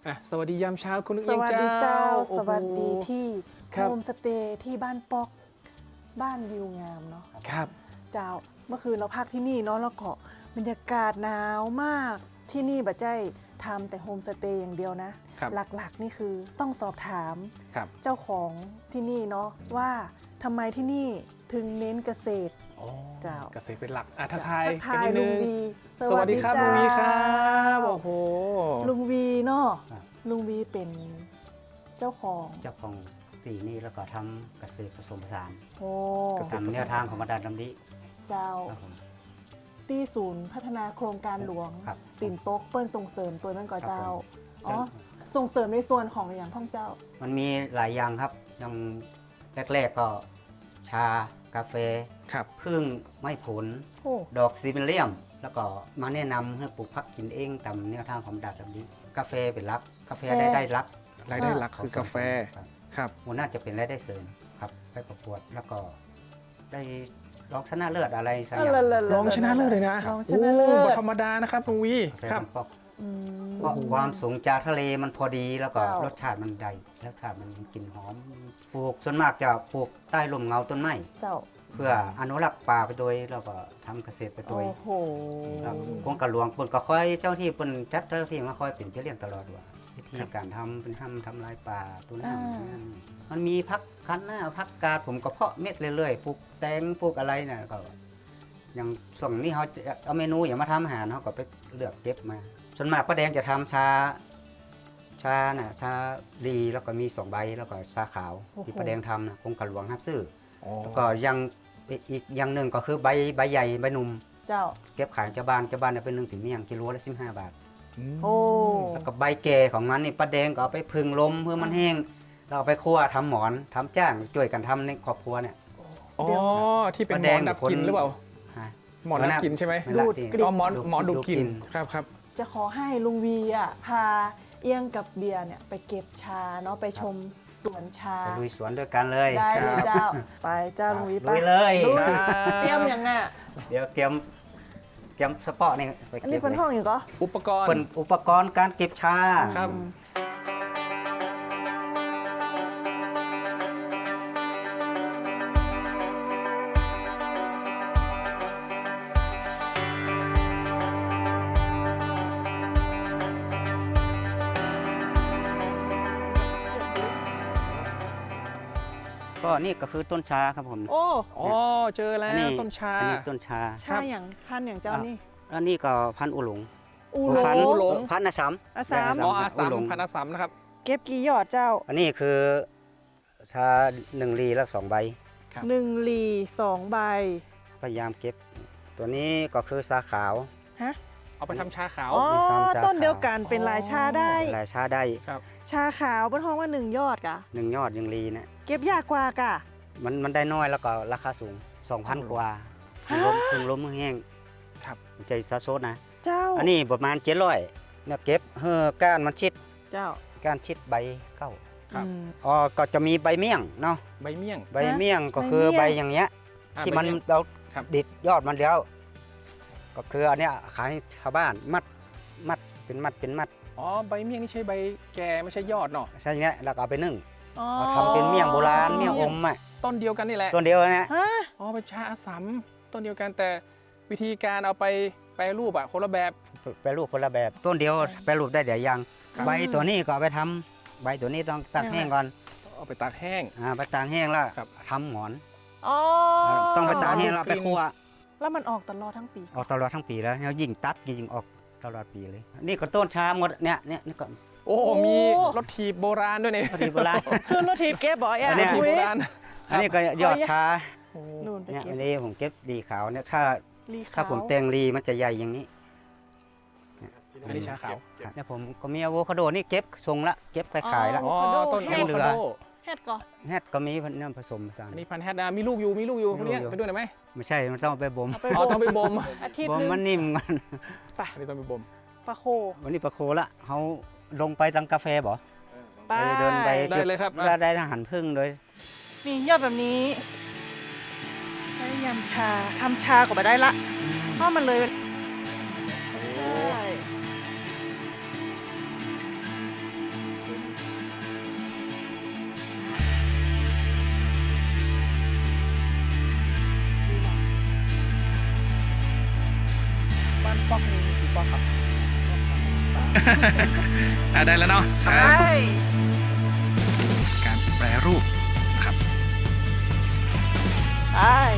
สวัสดียามเช้าคุณนุ้งสเอียงวัสเจ้าดีเจ้าโอ้สโหวัสดีที่ครัโฮบมสเตย์ที่บ้านปอกบ้านวิวงามเนาะครับเจ้าเมื่อคืนเราพักที่นี่เนาะแล้วก็บรรยากาศหนาวมากที่นี่บัจใจทำแต่โฮมสเตย์อย่างเดียวนะครับหลักๆนี่คือต้องสอบถามครับเจ้าของที่นี่เนาะว่าทำไมที่นี่ถึงเน้นเกษตรอ๋อเจ้าเกษตรเป็นหลักทักทายทักทายกันนิดลุนึงงวีสวัสดีครับลุงวีครับโอ้โหลุงวีเนาะครับลุงวีเป็นเจ้าของเจ้าของตีนี่แล้วก็ทำเกษตรผสมผสานโอ้ตามแนวทางของบรรดาลำดิเจ้าครับผมที่ศูนย์พัฒนาโครงการหลวงครับติ่นโต๊กเปิ้ลส่งเสริมตัวนั่นก่อเจ้าครับผมอ๋อส่งเสริมในส่วนของอย่างพ่องเจ้ามันมีหลายอย่างครับอย่างแรกๆก็ชากาแฟครับพึ่งไม้ผลโอ้ดอกซีเบเลียม แล้วก็มาแนะนำให้ปลูกผักกินเองตามแนวทางของบรรดาลำดิกาแฟเป็นหลัก กาแฟได้รับรายได้หลักคือกาแฟครับครับหัวหน้าจะเป็นรายได้เสริมครับไปประกวดแล้วก็ได้รองชนะเลิศอะไรสักอย่างรองชนะเลิศเลยนะรองชนะเลิโอ้ศบ่ธรรมดานะครับลุงวีกาแฟครับมันปอกอืมเพราะความสูงจากทะเลมันพอดีแล้วก็เจ้ารสชาติมันได้รสชาติมันกลิ่นหอมปลูกส่วนมากจะปลูกใต้ร่มเงาต้นไม้เจ้าเพื่ออนุรักษ์ป่าไปโดยแล้วก็ทำเกษตรไปโดโอ้ยโหแล้วกรมการหลวงเปิ่นก็ค่อยเจ้าที่เปิ่นจัดเจ้าที่มาคอยเป็นเจ้าเลี้ยงตลอดว่าวิธีการทำเป็นทำลายป่าตัวน้ำมันมีพักคันหน้าพักกาดผมก็เพาะเม็ดเรื่อยๆปลูกแตงปลูกอะไรน่ะก็อย่างส่วนนี้เขาจะเอาเมนูอย่างมาทำอาหารเขาก็ไปเลือกเก็บมา ส่วนมากป้าแดงจะทำชาดีแล้วก็มี2 ใบแล้วก็ชาขาวที่ป้าแดงทำนะกรมการหลวงรับซื้ออ๋อแล้วก็ยังอีกอย่างหนึ่งก็คือใบใหญ่ใบหนุ่มเจ้าเก็บขายเจ้าบ้านเนี่ยเป็น1 ถึงเมี่ยงกิโลละ15 บาทโอ้แล้วก็ใบแก่ของมันนี่ป้าแดงก็เอาไปพึ่งลมเพื่อมันแห้งเราเอาไปคั่วทำหมอนทำจ้างช่วยกันทำในครอบครัวเนี่ยอ๋อเดี๋ยวที่เป็นหมป้าแดอง นดับกลิ่นหรือเปล่าฮะหมอนดับกลิ่นใช่ไหมไม่ละดูดที่กลิ่นอ๋อหมอนดูดกลิ่นดูดครับครับจะขอให้ลุงวีอ่ะพาเอี้ยงกับเบียร์เนี่ยไปเก็บชาเนาะไปชมสวนชาไปลุยสวนด้วยกันเลยได้เลยครับเจ้า ไปเจ้าลุงวีไปลุยเลยลุยครับเตรียมอย่างน่ะเดี๋ยวเตรียมสปอร์ตนี่ไปอันเก็นี้บเป็นเลยห้องอยู่ก็อุปกรณ์เป็นอุปกรณ์การเก็บชาครับก็นี่ก็คือต้นชาครับผมโอ้อ๋อเจอแล้วต้นชาอันนี้ต้นชาชาอย่างพันธุ์อย่างเจ้านี่อันนี้ก็พันธุ์อุหลงอูหลพันธุ์งหลงพันธุ์อาสามอาสามอ๋ออาสามอุหลงพันอาสามนะครับเก็บกี่หยอดเจ้าอันนี้คือชา1 ลีแล้ว2 ใบครับ 1 หลี2 ใบพยายามเก็บ ตัวนี้ก็คือชาขาวฮะเอาไปทำชาขาวอ๋อมีสามชาต้นเดียวกันเป็นอ๋อลายชาได้หลายชาได้ครับชาขาวเป็นห้องว่า1 ยอดกะ 1 ยอด1 ลีนะเก็บยากกว่ากะมันได้น้อยแล้วก็ราคาสูง 2,000 กว่าฮะพึ่งล้มพึ่งแห้งครับใจซาโซดนะเจ้าอันนี้ประมาณ700เนี่ยเก็บก้านมันชิดเจ้าก้านชิดใบเข้าครับอืมอ๋อก็จะมีใบเมี่ยงเนาะใบเมี่ยงใบเมี่ยงก็คือใบใบเมี่ยงอย่างเงี้ยอ่ะที่มันใบเยงเราครับดิดยอดมันแล้ว ก็คืออันเนี้ยขายให้ชาวบ้านมัดเป็นมัดอ๋อใบเมี่ยงนี่ใช่ใบแก่ไม่ใช่ยอดเนาะใช่เงี้ยแล้วก็เอาไปนึ่งอ๋อเอาทำเป็นเมี่ยงโบราณเมี่ยงอมอ่ะต้นเดียวกันนี่แหละตัวเดียวนะฮะอ๋อเป็นชาอาสามต้นเดียวกันแต่วิธีการเอาไปแปรรูปอะคนละแบบแปรรูปคนละแบบต้นเดียวแปรรูปได้เดี๋ยวยังครับใบตัวนี้ก็เอาไปทำใบตัวนี้ต้องตากแห้งก่อนเอาไปตากแห้งไปตากแห้งแล้วครับทำหมอนอ๋อต้องไปตากแห้งแล้วไปคั่วแล้วมันออกตลอดทั้งปีออกตลอดทั้งปีแล้วแล้วยิ่งตัดยิ่งออกตลอดปีเลย นี่ก็ต้นชาหมดเนี่ยนี่ก็โอ้มีรถถีบโบราณด้วยนี่พอดีโบราณขึ้นรถทีบเก็บบ่อยอัอ่ะนเนี้รถยถีบอุ๊โบยราณอันนี้ก็ยอดชาโอ้นู่นไปเนี่ยเก็บอันนี้ผมเก็บดีขาวเนี่ยถ้าลีถ้าขาวผมแตงรีมันจะใหญ่อย่างนี้อันนี้ชาขาวเนี่ยผมก็มีอะโวคาโดนี่เก็บส่งละเก็บไปขายละอ๋อต้นแห้อะงโวเหลืคาอโดเฮ็ดก่อนแฮดก็มีน้ำผสมผสานอันนี้พันธุ์แฮดนะมีลูกอยู่คนเนี้ยมีลูกอยู่ไปด้วยได้ไหมไม่ใช่มันต้องเอาไปบ่มเอาไปอ๋อบ่ต้องมไปบ่มอาทิตย์บ่มหนึมันงนิ่มกันไปอันนี้ต้องไปบ่มปลาโควันนี้ปลาโคละเขาลงไปทางกาแฟบ่ไปเดินไปได้เลยครับได้อาหารพึ่งโดยนี่ยอดแบบนี้ ใช้ยำชาทำชาก็ไปได้ละเพราะมันเลยใช่ได้แล้วเนาะไปการแปรรูปนะครับไป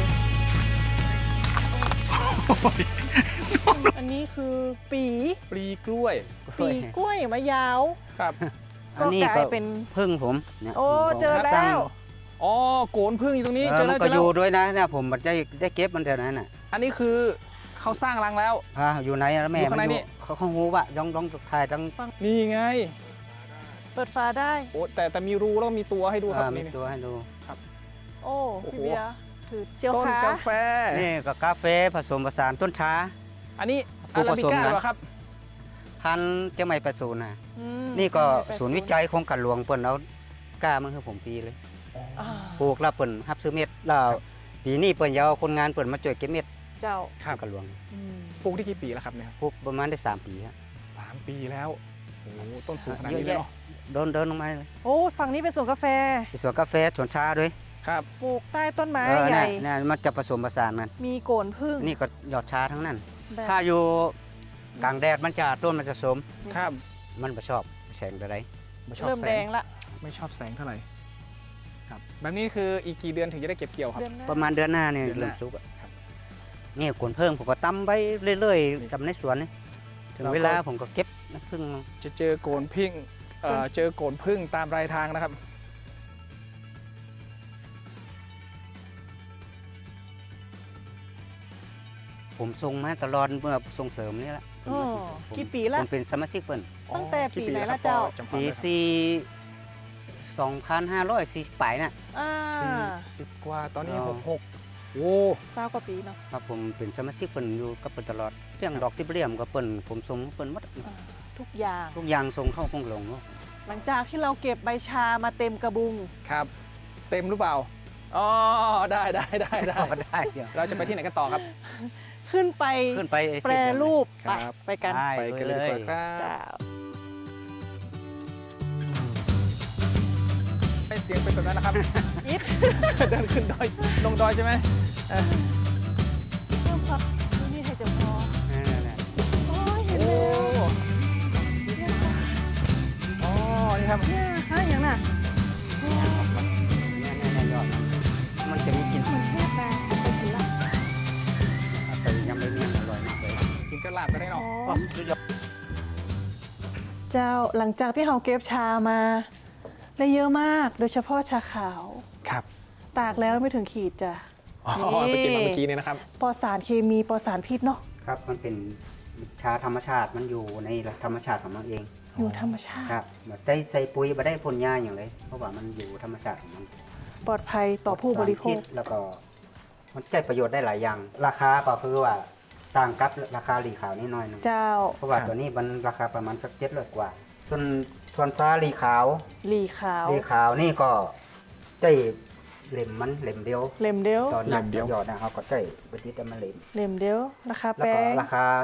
อันนี้คือปีปลีกล้วยปีกล้วยมะยาวครับอันนี้ก็กก็ลายเป็นพึ่งผมเนี่ยโอ้ผมเจอแล้วอ๋อโกนพึ่งอยู่ตรงนี้เอเจออมัแล้วนเจก็ออแล้ยู่วด้วยนะเนี่ยผมได้เก็บมันเท่านั้นน่ะอันนี้คือเขาสร้างรังแล้วอยู่ไหนแล้วแม่อยู่ข้างในมันนี่เขาหูว่ะย่องถ่ายตั้งนี่ไงเปิดฝาได้โอ้แต่มีรูแล้วมีตัวให้ดูครับมีนี่ตัวให้ดูโอ้โอ้โหพี่เบียร์ถือเชียวต้นขากาแฟนี่ก็กาแฟผสมผสานต้นช้าอันนี้ผู้อาราผบิสมก้านะเหรอครับพันธุ์เจ้าไม่ประสูนนะอืมนี่ก็ไปศูนย์วิจัยโครงการหลวงเปิ่นเอากล้ามันคือผมปีเลยอ่าปลูกแล้วเปิ่นรับซื้อเม็ดแล้วปีนี้เปิ่นยาวคนงานเปิ่นมาช่วยเก็บเม็ดเจ้าครับโงการหลวงอืมปลูกได้กี่ปีแล้วครับเนี่ยปลูกประมาณได้3 ปีครับ 3 ปีแล้วโอ้โหต้นสูงขนาดเยอะนี้เลยแยะเนาะเดินลงมาเลยโอ้ฝั่งนี้เป็นสวนกาแฟมีสวนกาแฟสวนชาด้วยครับปลูกใต้ต้นไม้เออใหญ่เนี่ยมันจะผสมผสานกันมีโกนพึ่งนี่ก็หยอดชาทั้งนั้นแบบถ้าอยู่กลางแดดมันจะต้นมันจะสมครับมันไม่ชอบแสงใดไม่ชอบเริ่มแสแดงงละไม่ชอบแสงเท่าไหร่ครับแบบนี้คืออีกกี่เดือนถึงจะได้เก็บเกี่ยวครับเดือนหน้าประมาณเดือนหน้าเนี่ยเดือนหน้าเริ่มสุกอะครับนี่กวนเพิ่งผมก็ตำไว้เรื่อยนี่ๆจำในสวนนี่ถึงแล้วก็เวลาผมก็เก็บน้ำผึ้งจะเจอโกนพึ่งเจอโกนพึ่งตามรายทางนะครับผมส่งมาตลอดเมื่อส่งเสริมนี่แหละอ๋อผมกี่ปีละผมเป็นสมาชิกเปิ้นตั้งแต่กี่ปีไหนครัละบเจ้าพอจำความปีได้ครับ 2540ปลายน่ะอ่า 40 กว่าตอนนี้อ๋อ 66โอ้ 9 กว่าปีเนาะครับผมเป็นสมาชิกเปิ้นอยู่กับเปิ้นตลอดเรื่องดอกสิบเหลี่ยมก็เปิ้นผมส่งเปิ้นหมดอ่าทุกอย่างทุกอย่างส่งเข้าคงหลงเนาะหลังจากที่เราเก็บใบชามาเต็มกระบุงครับ เต็มหรือเปล่าอ๋อได้ก็ได้เดี๋ยวเราจะไปที่ไหนกันต่อครับขึ้นไปขึ้นไปแปรรูปครัไปบไปกันได้ไปกันเลยดีกว่าคเลยรับเจ้าให้เสียงเป็นแบบนั้นนะครับอิดเดินขึ้นดอยลงดอยใช่ไหมเพิ่มพักนี่ให้จะพอนั่นๆโอ้ยเห็นโอ้แล้วอ๋อนี่ครับเนี่ยฮะอย่างน่ะเนี่ยยอดมันจะมีกลิ่นเหมือนแค่แปลงไปกินละใส่ยำใบเมี่ยงอร่อยมากเลยกินกระลาบก็ได้อ๋เนาะอเจ้าหลังจากที่เราเก็บชามาได้เยอะมาก โดยเฉพาะชาขาวครับตากแล้วไม่ถึงขีดจ้ะอ๋อนี่ไปกินมาเมื่อกี้นี่นะครับปลอดสารเคมีปลอดสารพิษเนาะครับมันเป็นชาธรรมชาติมันอยู่ในธรรมชาติของมันเองอยู่ธรรมชาครัติบแบบได้ใส่ปุ๋ยมาได้พ่นยาอย่างไรเพราะว่ามันอยู่ธรรมชาติของมันปลอดภัยต่อผู้บริโภสาคพิษแล้วก็มันใช้ประโยชน์ได้หลายอย่าง ราคาก็คือว่าต่างกับราคาหลีขาวนิดหน่อยหนึงเจ้าเพราะว่าครับตัวนี้มันราคาประมาณสัก700 กว่า ส่วนซาหลีขาวหลีขาวหลีขาวนี่ก็ใช้เหล่มมันเหล่มเดียวเล่มเดียวตอนนักเหล่มเดียวยอดนะเขาก็ใช้ไปติดแต่มันเหล่มเล่มเดียวราคาแล้วแป้ก็งราคา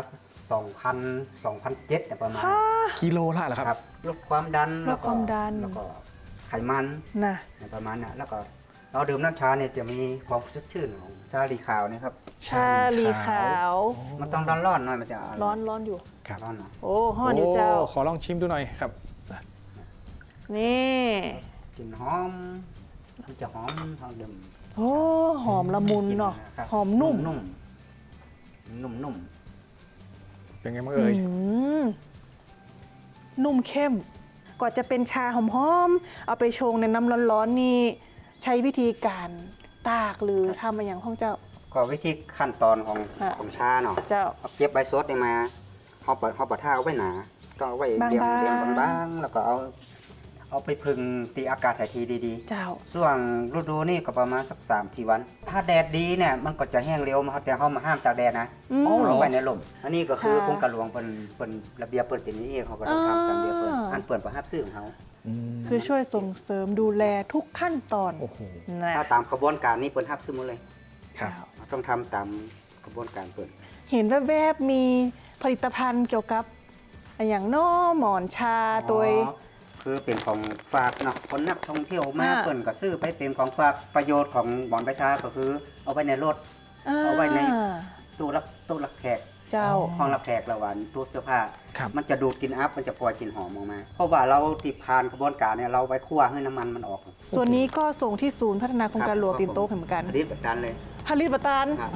2,000 2,700เนี่ยประมาณฮ่ากิโลละเหรอครับครับลดความดันลดความดันแล้วก็ไขมันน่ะเนี่ยประมาณน่ะแล้วก็เราดื่มน้ำชาเนี่ยจะมีความสดชื่นของชาลีขาวนี่ครับชาหลีขาวมันต้องร้อนๆหน่อยมันจะอร้อนร้อนอยู่ครับร้อนหน่อยโอ้ห่อนอยู่เจ้าโขอลองชิมดูหน่อยครับนี่กลิ่นหอมมันจะหอมหอมดื่มโอ้หอมละมุนเนาะครับหอมนุ่มนุ่มนุ่มเป็นไงบ้างเอ่ยอืมนุ่มเข้มกว่าจะเป็นชาหอมๆเอาไปชงในน้ำร้อนๆนี่ใช้วิธีการตากหรือทำมาอย่างห้องเจ้าก็วิธีขั้นตอนของอ่ะของชาเนาะเจ้าเอาเก็บใบสดนี่มาเขาปะท่าเอาไว้หนาต้องเอาไว้เรียงบางๆเรียงบางๆแล้วก็เอาไปพึ่งตีอากาศถ่ายทีดีๆเจ้าช่วงฤดูนี่ก็ประมาณสัก3-4 วัน ถ้าแดดดีเนี่ยมันก็จะแห้งเร็วแต่เขามาห้ามตากแดดนะอืมเอาลงไว้ในลมอันนี้ก็คือค่ะโครงการหลวงเป็นระเบียบเปิดเป็นนี้เองเขาก็ต้องทำตามระเบียบเปิดอ่าอันเปิดประหับซื้อของเขาคือช่วยส่งเสริมดูแลทุกขั้นตอนโอ้โหนะถ้าตามกระบวนการนี้เปิดหับซื้อหมดเลยครับเจ้าต้องทำตามกระบวนการเปิดเห็นแวบๆมีผลิตภัณฑ์เกี่ยวกับอย่างน้อหมอนชาตัวอ๋อคือเป็นของฝากเนาะคนนักท่องเที่ยวมาอ่าเปิ่นก็ซื้อไปเป็นของฝากประโยชน์ของหมอนประชาก็คือเอาไว้ในรถ เอาไว้ใน ตู้รับแขกเจ้าห้องรับแขกระหว่างตู้เสื้อผ้าครับมันจะดูดกลิ่นอัพมันจะปล่อยกลิ่นหอมออกมา เพราะว่าเราติดผ่านกระบวนการเนี่ยเราไปคั่วให้น้ำมันมันออกส่วนนี้ก็ส่งที่ศูนย์พัฒนาโครงการหลวงตีนโต๊ะเหมือนกันผลิตแบบนั้นเลยผลิตประตานครับ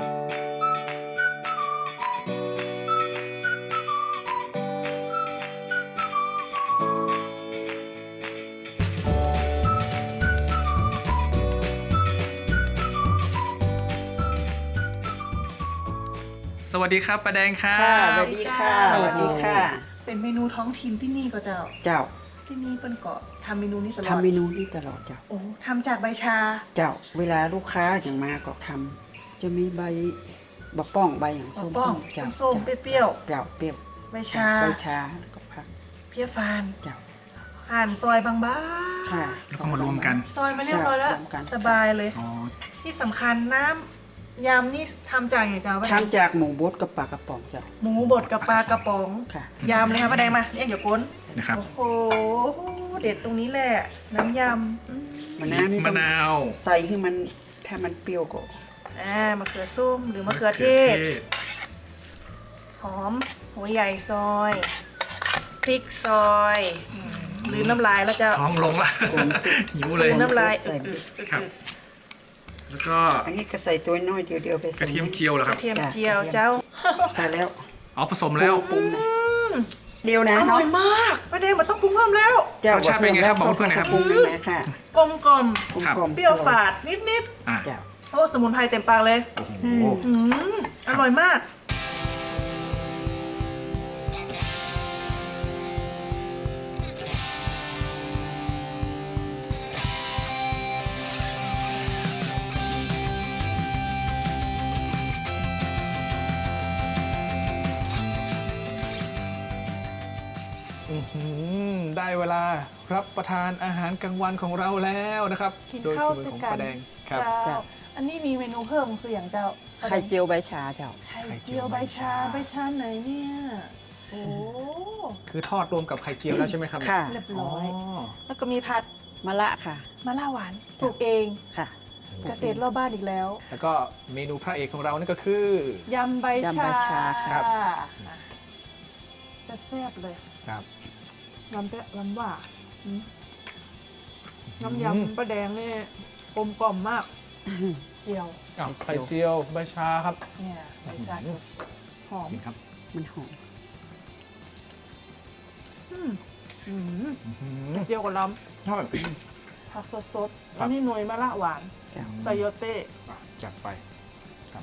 สวัสดีครับป้าแดงครัค่ะสบวัสดีค่ะโอ้สโหวัสดีค่ะเป็นเมนูท้องถิ่นที่นี่ก็เจ้าเจ้าที่นี่เป็นเกาะทำเมนูนี้ตลอดทำเมนูนี้ตลอดเจ้าโอ้ทำจากใบชาเจ้า เวลาลูกค้าอย่างมาก็ทำจะมีใบบะป้องใบอย่างส้มป้องๆเจ้าส้มๆเปรี้ยวเจ้าเปรี้ยวๆใบชาใบชาแล้วก็ผักเพี้ยฟานเจ้าหั่นซอยบางค่ะแล้วก็มารวมกันๆซอยมาเรียบร้อยแล้วรวมกันสบายเลยอ๋อที่สำคัญน้ำยำนี่ทำจากอย่างเจ้าป้าแดงทำจากหมูบดกับปลากระป๋องเจ้าหมูบดกับปลากระป๋องค่ะยำเลยค่ะป้าแดงมาเรียกเดี๋ยวก้นนะครับโอ้โหเด็ดตรงนี้แหละ น้ำยำมะนาวนี่มะต้องนาวใส่ให้มันถ้ามันเปรี้ยวก็มะเขือส้มหรือมะเขือเทศ หอมหัวใหญ่ซอยพริกซอยหรือน้ำลายแล้วจะท้องลงละ หิวเลยน้ำลายใส่ครับ แล้วก็อันนี้ก็ใส่ตัวน้อยเดียวๆไปกใส่ระเทียมเจียวเหรอครับเทียมเจียวเจ้าใส่แล้วอ๋อผสมแล้วปรุงนะเดียวนะอร่เนาะอยมากป้าแดงมันต้องปรุงเพิ่มแล้วเจ้ารสชาติเป็นไงครับบอกเพื่อนหน่อยครับปรุงเลยนะค่ะกลมกล่อมครับกลมๆเปรี้ยวฝาดนิดอ่ะเจ้าๆโอ้สมุนไพรเต็มปากเลยโอ้โหอืมอร่อยมากอื้อหือได้เวลารับประทานอาหารกลางวันของเราแล้วนะครับกินโดยข้าวฝีมือด้วยของกันป้าแดงครับเจ้าอันนี้มีเมนูเพิ่มคืออย่างเจ้าไข่เจียวใบชาเจ้าไข่เจียวใบชาใบชาไหนเนี่ยโอ้คือทอดรวมกับไข่เจียวแล้วใช่ไหมครับค่ะเรียบอ๋ร้ออยแล้วก็มีผัดมะละค่ะมะล่าหวานปลูกเองค่ะเกษตรรอบบ้านอีกแล้วแล้วก็เมนูพระเอกของเรานี่ก็คือยำใบยำใบชาชาครับแซ่บๆเลยครับน้ำแปะน้ำหวานน้ำยำปลาแดงนี่กลมกล่อมมากเจียวอ้าวไข่เจียวใบชาครับเนี่ยใบชาหอมกินครับมันหอมอืมอื้อหือเจียวกับล้ทอดำผักสดๆครัแล้วบนี่หน่วยมะละหวานเจ้าไซโยเต้อ่ะจัดไปครับ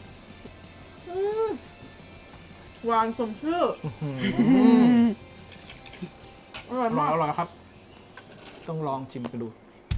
หวานสมชื่อ อร่อยอร่อมาย กอร่อยครับ ต้องลองชิมกันดู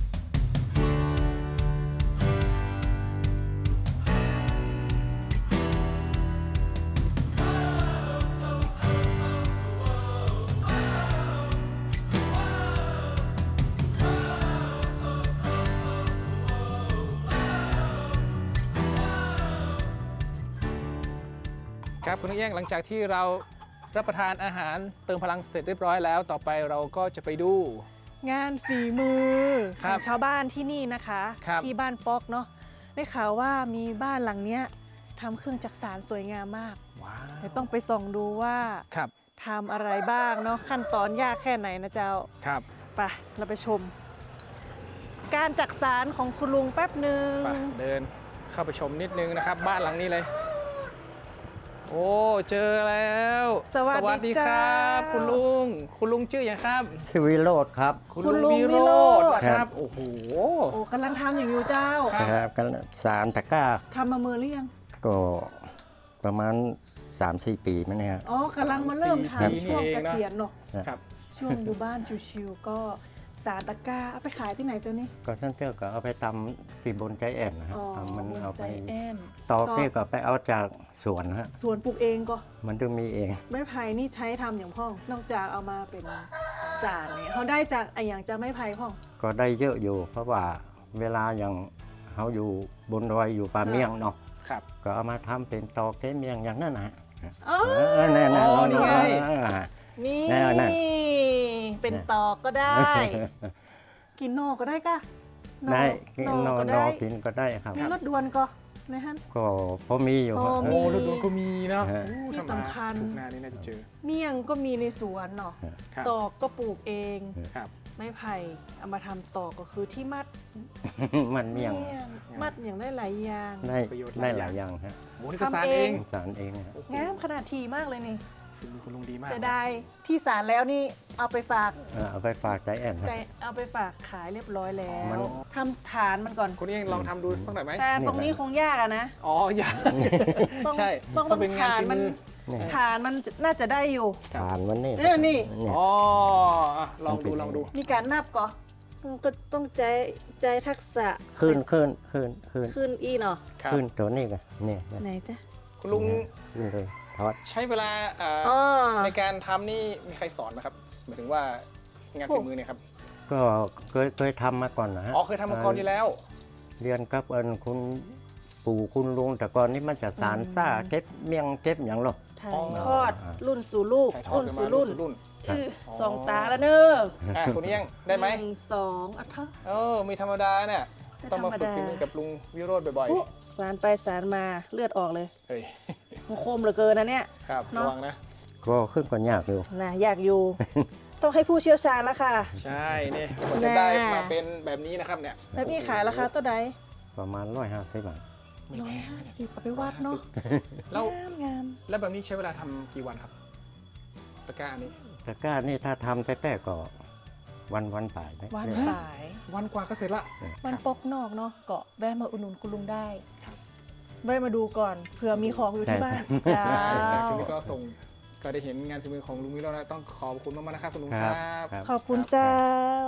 ครับคุณนักแย่งหลังจากที่เรารับประทานอาหารเติมพลังเสร็จเรียบร้อยแล้ว ต่อไปเราก็จะไปดูงานฝีมือคขรัอบ งชาวบ้านที่นี่นะคะครับที่บ้านป๊อกเนาะได้ข่าวว่ามีบ้านหลังเนี้ยทำเครื่องจักสานสวยงามมากว้าวเดี๋ยวต้องไปส่องดูว่าครับทำอะไรบ้างเนาะขั้นตอนยากแค่ไหนนะเจ้าครับไปเราไปชม การจักสานของคุณลุงแป๊บหนึ่งไปเดินเข้าไปชมนิดนึงนะครับ บ้านหลังนี้เลย โอ้เจอแล้วสวัสดีคเจ้ารับ คุณลุงชื่ออย่างครับชื่อวิโรธครับคุณลุงวิโรจน์นะครับโอ้โหโอ้กำลังทำอย่างอยู่เจ้าครับครับกันสารตะกร้าทำมาเมื่อหรือยังก็ประมาณ 3-4 ปีมั้งเนี่ยอ๋อกำลังมาเริ่มครับทำช่วงเกษียณเนาะครับช่วงอยู่บ้านชิวๆก็สารตะกร้าเอาไปขายที่ไหนเจ้านี่ก็ท่านเที่ยวก็เอาไปตำตีบนใจแอนนะฮะอ๋อเอามันบนเอาใจไปแอนตอกนี่ก็ไปเอาจากสวนฮะสวนปลูกเองก็มันต้องมีเองไม้ไผ่นี่ใช้ทำอย่างพ่อง นอกจากเอามาเป็นสารเนี่ยเขาได้จากไออย่างจากไม้ไผ่พ่องก็ได้เยอะอยู่ เพราะว่าเวลาอย่างเขาอยู่บนดอยอยู่ป่าเมียงเนาะครับก็เอามาทำเป็นตอกเทเมียงอย่างนั้นนะฮะอ๋อแน่อ๋อนี่ไงนี่แน่เป็นตอกก็ได้ กินนอกก็ได้กะได้นอกก็นอได้กินก็ได้ครับมีรถด่วนก็นะฮะก็พอมีอยู่พอฮะมีโอ้ฤดูก็มีเนาะฮะโอ้ที่ถ้ามาสำคัญถูกหน้านี่น่าจะเจอเมี่ยงก็มีในสวนเนาะครับตอกก็ปลูกเองครับไม้ไผ่เอามาทำตอกก็คือที่มัดมันเมี่ยงมัดอย่างได้หลายอย่างได้ประโยชน์ได้หหลาลาย ยออย่าง ย่างฮะโอ้นี่ก็สารทำเอเอง งสารเองฮะงามขนาดทีมากเลยนี่ฝีมือคุณลุงดีมากเสียดายที่สารแล้วนี่เอาไปฝากเอาไปฝากใจแอนฮะใจเอาไปฝากขายเรียบร้อยแล้มันวทำฐานมันก่อนคนนี้ลองทำดูสักหน่อยไหมแต่ตรงนี้คงยากอะนะอ๋ออย่าต้องใช่ต้องเป็นงานฐานฝีมันมือนี่ฐานมันน่าจะได้อยู่ฐานมันนี่เนี่ยนี่เนี่ยอ๋ออ่ะลองดูลองดูมีการนับก่อนก็ต้องใจทักษะขึ้นอีเนาะครับขึ้นตัวนี้กันเนี่ยไหนจ๊ะคุณลุงขึ้นเลยทอดใช้เวลาอ๋อในการทำนี่มีใครสอนไหมครับหมายถึงว่างานฝีมือเนี่ยครับก็เคยทำมาก่อนนะฮะอ๋อเคยทำมาก่อนอยู่แล้วเรียนกับคุณปู่คุณลุงแต่ก่อนนี้มันจะสารซ่าเก็บเมี่ยงเก็บอย่างหรอกถ่ายอ๋อทอดรุ่นสู่ลูกถ่ายทอดรุ่นกันสู่มารุ่นสู่รุ่นสองตาแล้วเนอะคุณเอี้ยงได้ไหม 1 2อ่ะเถอะมีธรรมดาเนี่ยไม่ต้องมาฝึกธรรมดาฝีมือกับลุงวิโรธบ่อยอุ๊สารไปสารมาเลือดออกเลยๆเฮ้ยมันคมเหลือเกินนะเนี่ยครับเนอะระวังนะก็ขึ้นก่อนยากอยู่นะอยากอยู่ ต้องให้ผู้เชี่ยวชาญแล้วค่ะใช่นี่กว่าจะได้มาเป็นแบบนี้นะครับเนี่ยแล้วพี่ขายราคาเท่าใดประมาณ150 บาท 150เอาไปวัดเนาะแล้วงามแล้วแบบนี้ใช้เวลาทำกี่วันครับตะกร้าอันนี้แต่ก้านี่ถ้าทำแต่ก็วันป่ายไหมวันเนี่ยสายวันกว่าก็เสร็จละวันปกนอกเนาะเกาะแวะมาอุดหนุนคุณลุงได้ครับแวะมาดูก่อนเผื่อมีของอยู่ที่บ้านจ้าช่วงนี้ก็ส่งก็ได้เห็นงานฝีมือของลุงวิโรจน์แล้วต้องขอบคุณมากๆนะครับคุณลุงคครัรับบ ครับขอบคุณเจ้า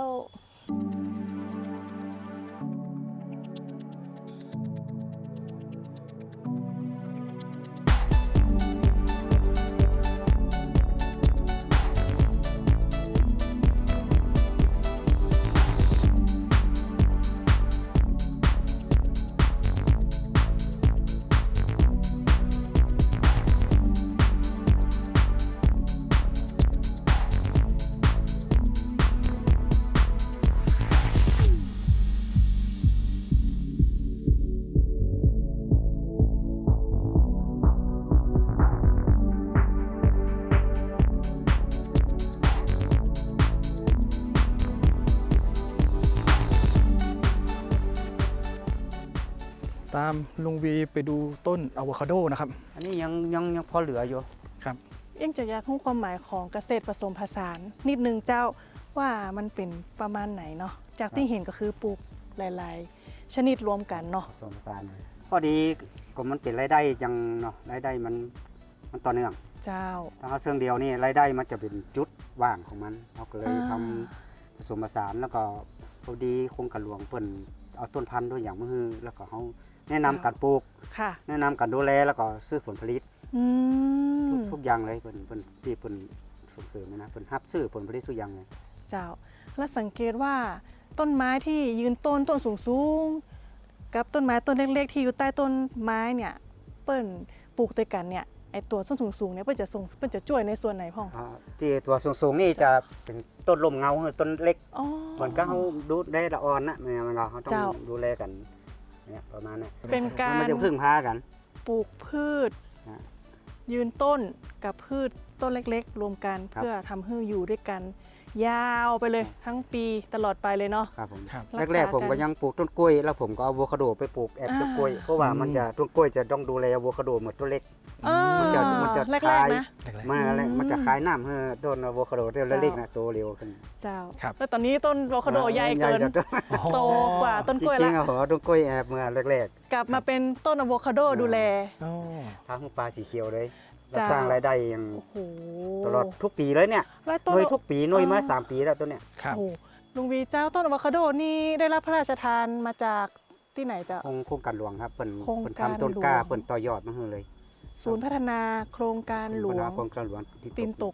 ตามลุงวีไปดูต้นอะโวคาโดนะครับอันนี้ยังพอเหลืออยู่ครับยังจะอยากรู้ความหมายของเกษตรผสมผสานนิดนึงเจ้าว่ามันเป็นประมาณไหนเนาะจากที่เห็นก็คือปลูกหลายๆ ชนิดรวมกันเนาะผสมผสานข้อดีก็มันเป็นรายได้ยังเนาะรายได้มันต่อเนื่องเจ้าถ้าเอาเสื่องเดียวนี่รายได้มันจะเป็นจุดว่างของมันเราก็เลยอ่าทำผสมผสานแล้วก็พอดีโครงการหลวงเปิ่นเอาต้นพันธุ์ด้วยอย่างมือแล้วก็เขาแนะนำการปลูกค่ะแนะนำการดูแลแล้วก็ซื้อผลผลิตอืมทุกอย่างเลยเปิ่นที่เปิ่นส่งเสริมนะเปิ่นรับซื้อผลผลิตทุกอย่างเลยเจ้า แล้วสังเกตว่าต้นไม้ที่ยืนต้นสูงๆกับต้นไม้ต้นเล็กๆ ที่อยู่ใต้ต้นไม้เนี่ยเปิ้นปลูกด้วยกันเนี่ยไอตัวต้นสูงๆเนี่ยเปิ้นจะช่วยในส่วนไหนพ่องที่ตัวสูงๆนี่จะเป็นต้นลมเงาต้นเล็กอ๋อมันก็เขาดูได้ละอ่อนนะมันก็เขาต้องเจ้าดูแลกันเนี่ยประมาณนี้เป็นการมันจะพึ่งพากันปลูกพืชฮะยืนต้นกับพืชต้นเล็กๆ รวมกันครับเพื่อทำให้อยู่ด้วยกัน ยาวไปเลยทั้งปีตลอดไปเลยเนาะครับผมครับรักษาแรกๆผมกัก็นยังปลูกต้นกล้วยแล้วผมก็เอาอะโวคาโดไปปลูกแอบต้นกล้วยเพราะว่ามันจะต้นกล้วยจะต้องดูแลอะโวคาโดเหมือนต้นเล็ก มันจะแรคลาก ยๆนะมันจะคลายน้ำให้ต้นอะโวคาโดต้นเล็กๆนะโตเร็วขึ้นเจ้าครับแล้วตอนนี้ต้นอะโวคาโดใหญ่เกินจะโตกว่าต้นกล้วยจริละงๆอะผมเอาต้นกล้วยแอบเมื่อแรกกลับมาเป็นต้นอะโวคาโดดูแลอ๋อๆทางปลาสีเขียวเลยเราจ้าสร้างรายได้อย่างโอ้โหตลอดทุกปีเลยเนี่ยแล้วหต้นน่วยทุกปีหน่วยมาอ๋อ 3 ปีแล้วตัวเนี้ยครับโอ้โหลุงวีเจ้าต้นอะโวคาโดนี่ได้รับพระราชทานมาจากที่ไหนเจ้าโครงการหลวงครับเปิ่นโครงเปิ่นการทำต้นกล้าหลวงเปิ่นต่อยอดมาให้เลยศูนย์พัฒนาโครงการหลวงโครงการหลวงที่ตีนตก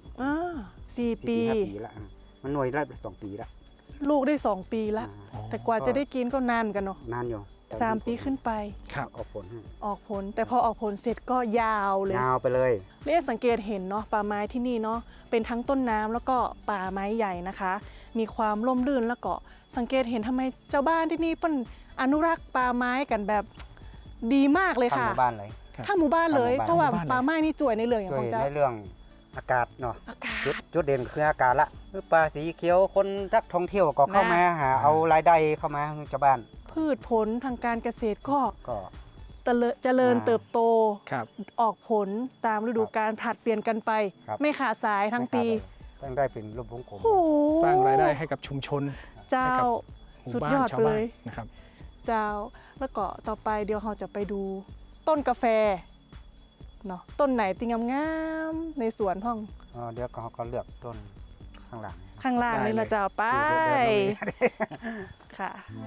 4 4 ปี 5 ปีละมันหน่วยละ2 ปีละลูกได้ 2 ปีละ แต่กว่าจะได้กินก็นานเหมือนกันเนาะนานอยู่ 3 ปีขึ้นไปครับออกผลให้ออกผล แต่พอออกผลเสร็จก็ยาวเลยยาวไปเลยเรียกสังเกตเห็นเนาะป่าไม้ที่นี่เนาะเป็นทั้งต้นน้ำแล้วก็ป่าไม้ใหญ่นะคะ มีความร่มรื่นแล้วก็สังเกตเห็นทำไมเจ้าบ้านที่นี่เปิ้นอนุรักษ์ป่าไม้กันแบบดีมากเลยทั้งค่ะหมู่บ้านเลยครับถ้าหมู่บ้านเลยทั้งหมู่บ้านเพราะว่าหมู่บ้านเลยป่าไม้นี่จ่วยในเรื่องอย่างโดขยองเจ้าในเรื่องอากาศเนาะอากาศจุดเด่นคืออากาศละคือป่าสีเขียวคนรักท่องเที่ยวก็เข้ามาหาเอารายได้เข้ามาให้ชาวบ้านพืชผลทางการเกษตรก็ก็เจริญอ่าเติบโตครับออกผลตามฤดูกาลผลัดเปลี่ยนกันไปครับไม่ขาดสายทั้งปีต้องได้เป็นรูปวงกลมโอ้โหสร้างรายได้ให้กับชุมชนเจ้าหมู่สุดบ้าย นอดชาวเลบ้านยนะครับเจ้าแล้วก็ต่อไปเดี๋ยวเราจะไปดูต้นกาแฟเนาะต้นไหนติงงามๆในสวนห้องเดี๋ยวเขาก็เลือกต้นข้างหลังข้างล่างได้นี่เลยเราจะเอาไปดูเดินลงนี่ค่ะ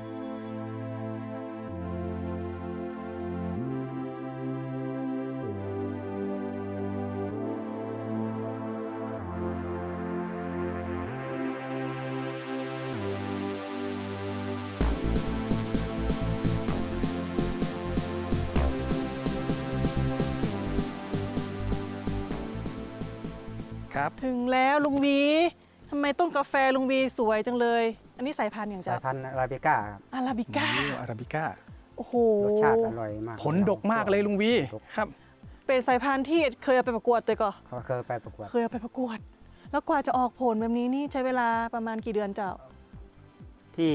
ครับถึงแล้วลุงวีทำไมต้นกาแฟลุงวีสวยจังเลย อันนี้สายพันธุ์อย่างสาเจ้ายพันธุ์อาราบิก้าครับอาราบิก้าอาราบิก้าโอ้โหรสชาติอร่อยมากผลดกมากเลยลุงวีดกครับเป็นสายพันธุ์ที่เคยเอาไปประกวดตัวก่อนเขาเคยไปประกวดเคยเอาไปประกวด แล้วกว่าจะออกผลแบบนี้นี่ใช้เวลาประมาณกี่เดือนเจ้าที่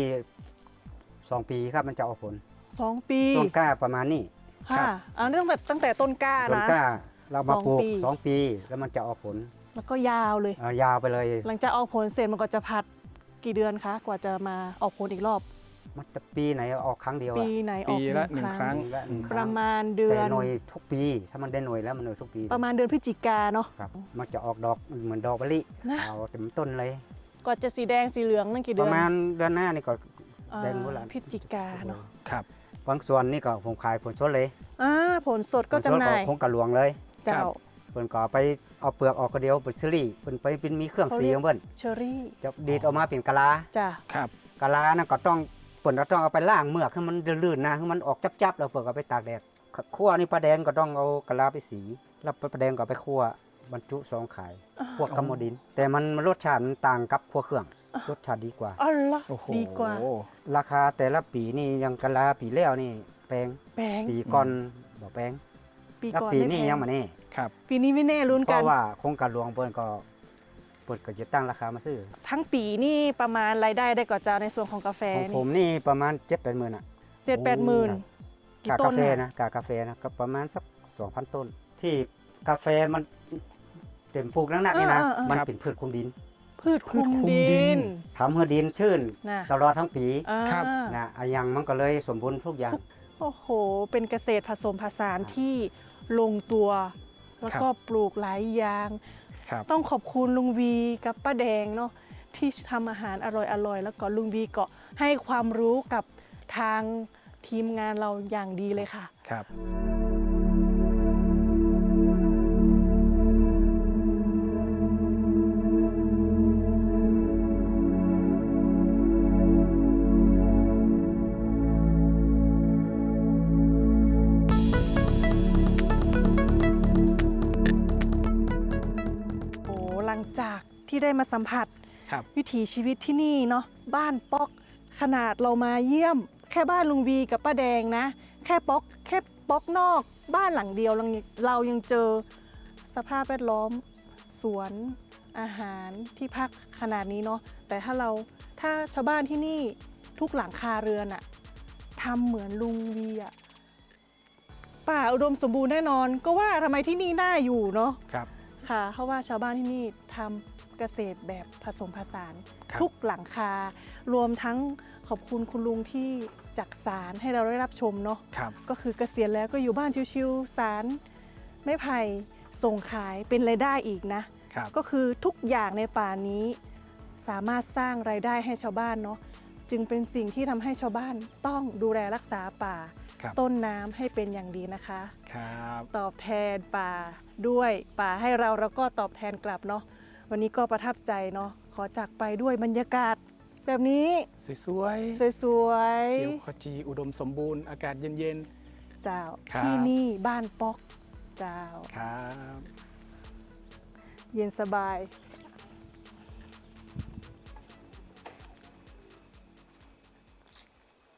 2 ปีครับมันจะออกผล 2 ปีต้นกล้าประมาณนี้ค่ะอันนี้ตั้งแต่ต้นกล้าต้นนะกล้าเรามาปลูก 2 ปี 2 ปีแล้วมันจะออกผลแล้วก็ยาวเลยยาวไปเลยหลังจากออกผลเสร็จมันก็จะพัดกี่เดือนคะกว่าจะมาออกผลอีกรอบมันจะปีไหนออกครั้งเดียวปีอะไหนออกปีละหนึ่งครั้งปีละหนึ่งคปรั้ระงมาณเดือแต่นหน่วยทุกปี ถ้ามันได้หน่วยแล้วมันหน่วยทุกปีประมาณเดือนพฤศจิกาเนาะครับมันจะออกดอกเหมือนดอกมะลินะขาวเต็มต้นเลยก็จะสีแดงสีเหลืองนั่นกี่ปเดือระนมาณเดือนหน้านี่ก็อ่าแดงหมดละพฤศจิกาเนาะครับบางส่วนนี่ก็ผมขายผลสดเลยผลสดก็ผลสดจำหน่ายคงกระหลวงเลยเจ้าเพิ่นก็ไปเอาเปลือกออกก็เดียวเป็นซิลี่เพิ่นไปเป็นมีเครื่องสีของเพิ่นเชอรี่จะดีดออกมาเป็นกะลาจ้ะครับกะลานั่นก็ต้องเพิ่นก็ต้องเอาไปล้างเมือกให้มันลื่นๆนะให้มันออกจับๆแล้วเพิ่นก็ไปตากแดดคั่วนี่ปลาแดงก็ต้องเอากะลาไปสีแล้วปลาแดงก็ไปคั่วบรรจุซองขายพวกกัมโมดิน แต่มันรสชาติมันต่างกับคั่วเครื่องรสชาติดีกว่าอ๋อเหรอโอ้โหดีกว่าราคาแต่ละปีนี่อยังกะลาปีแล้วนี่แพงแพงปีก่อนบ่แพงปีแล้วก่อนปีไม่นี้แพงยังมาแน่ครับปีนี้ไม่แน่ลุ้นเพกันราะว่าโครงการหลวงเพิ่นก็จะตั้งราคามาซื้อทั้งปีนี่ประมาณรายได้ได้ก่อเจ้าในส่วนของกาแฟของผนี่มนี่ประมาณ 7-8 หมื่นอ่ะ 7-8 หมื่น กี่กาต้กาน แฟน่ะนะกากาแฟนะก็ประมาณสัก 2,000 ต้น ที่กาแฟมันเต็มปลูกนักๆนี่นะ มันเป็นพืชคลุมดินพืชคลุมพืชคลุมดิดินนทำให้ดินชื้นน่ะตลอดทั้งปีครับนะอะยังมันก็เลยสมบูรณ์ทุกอย่างโอ้โห เป็นเกษตรผสมผสานที่ลงตัว แล้วก็ปลูกหลายอย่างครับต้องขอบคุณลุงวีกับป้าแดงเนาะที่ทำอาหารอร่อยๆ แล้วก็ลุงวีก็ให้ความรู้กับทางทีมงานเราอย่างดีเลยค่ะครับโอ้หลังจากที่ได้มาสัมผัสครับวิถีชีวิตที่นี่เนาะบ้านป๊อกขนาดเรามาเยี่ยม แค่บ้านลุงวีกับป้าแดงนะ แค่ป๊อกนอกบ้านหลังเดียวเรายังเจอสภาพแวดล้อม สวนอาหารที่พักขนาดนี้เนาะแต่ถ้าชาวบ้านที่นี่ทุกหลังคาเรือนอะทำเหมือนลุงวีอะป่าอุดมสมบูรณ์แน่นอน ก็ว่าทำไมที่นี่น่าอยู่เนาะครับค่ะเพราะว่าชาวบ้านที่นี่ทำเกษตรแบบผสมผสานครับทุกหลังคารวมทั้งขอบคุณคุณลุงที่จักสารให้เราได้รับชมเนาะครับก็คือเกษียณแล้วก็อยู่บ้านชิวๆสารไม้ไผ่ส่งขายเป็นรายได้อีกนะครับก็คือทุกอย่างในป่านี้สามารถสร้างรายได้ให้ชาวบ้านเนาะจึงเป็นสิ่งที่ทำให้ชาวบ้านต้องดูแลรักษาป่าครับต้นน้ำให้เป็นอย่างดีนะคะครับตอบแทนป่าด้วยป่าให้เราแล้วก็ตอบแทนกลับเนาะวันนี้ก็ประทับใจเนาะขอจากไปด้วยบรรยากาศ แบบนี้สวยสวยๆเขียวขจีอุดมสมบูรณ์อากาศเย็นๆเจ้าครับที่นี่บ้านป๊อกเจ้าๆ ครับเย็นสบาย